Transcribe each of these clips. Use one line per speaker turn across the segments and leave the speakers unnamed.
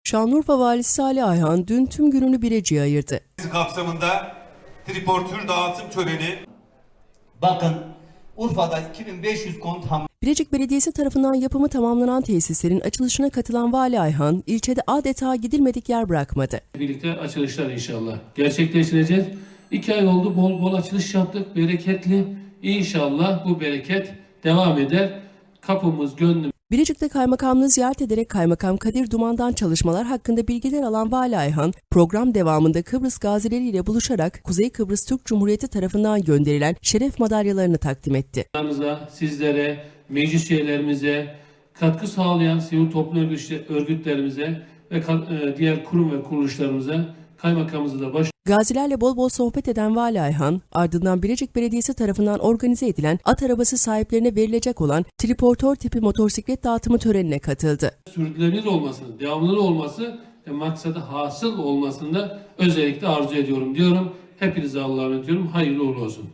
Şanlıurfa Valisi Salih Ayhan dün tüm gününü Birecik'e ayırdı.
Kapsamında triportür dağıtım töreni.
Bakın Urfa'da 2500 konut
Birecik Belediyesi tarafından yapımı tamamlanan tesislerin açılışına katılan Vali Ayhan, ilçede adeta gidilmedik yer bırakmadı.
Birlikte açılışlar inşallah gerçekleştireceğiz. 2 ay oldu, bol bol açılış yaptık, bereketli. İnşallah bu bereket devam eder. Kapımız, gönlümüz.
Birecik'te kaymakamlığı ziyaret ederek Kaymakam Kadir Duman'dan çalışmalar hakkında bilgiler alan Vali Ayhan, program devamında Kıbrıs gazileriyle buluşarak Kuzey Kıbrıs Türk Cumhuriyeti tarafından gönderilen şeref madalyalarını takdim etti.
Sizlere, meclis üyelerimize, katkı sağlayan sivil toplum örgütlerimize ve diğer kurum ve kuruluşlarımıza, kaymakamımıza da
Gazilerle bol bol sohbet eden Vali Ayhan, ardından Birecik Belediyesi tarafından organize edilen at arabası sahiplerine verilecek olan triportör tipi motosiklet dağıtımı törenine katıldı.
Sürdürülebilir olmasını, devamlı olması ve maksadı hasıl olmasını da özellikle arzu ediyorum diyorum. Hepinize Allah'a emanet ediyorum. Hayırlı uğurlu olsun.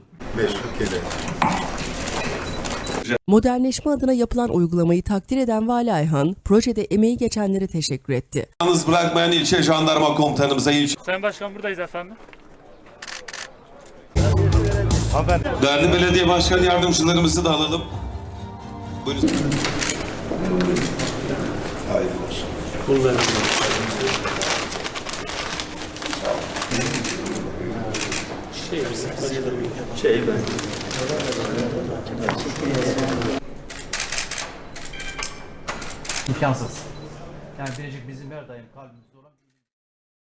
Modernleşme adına yapılan uygulamayı takdir eden Vali Ayhan, projede emeği geçenlere teşekkür etti.
Yalnız bırakmayan ilçe jandarma komutanımıza,
Sayın Başkan buradayız efendim.
değerli belediye başkan yardımcılarımızı da alalım. Buyurun.
Hayırlı olsun.
İmkansız. Yani Birecik bizim her daim kalbimiz.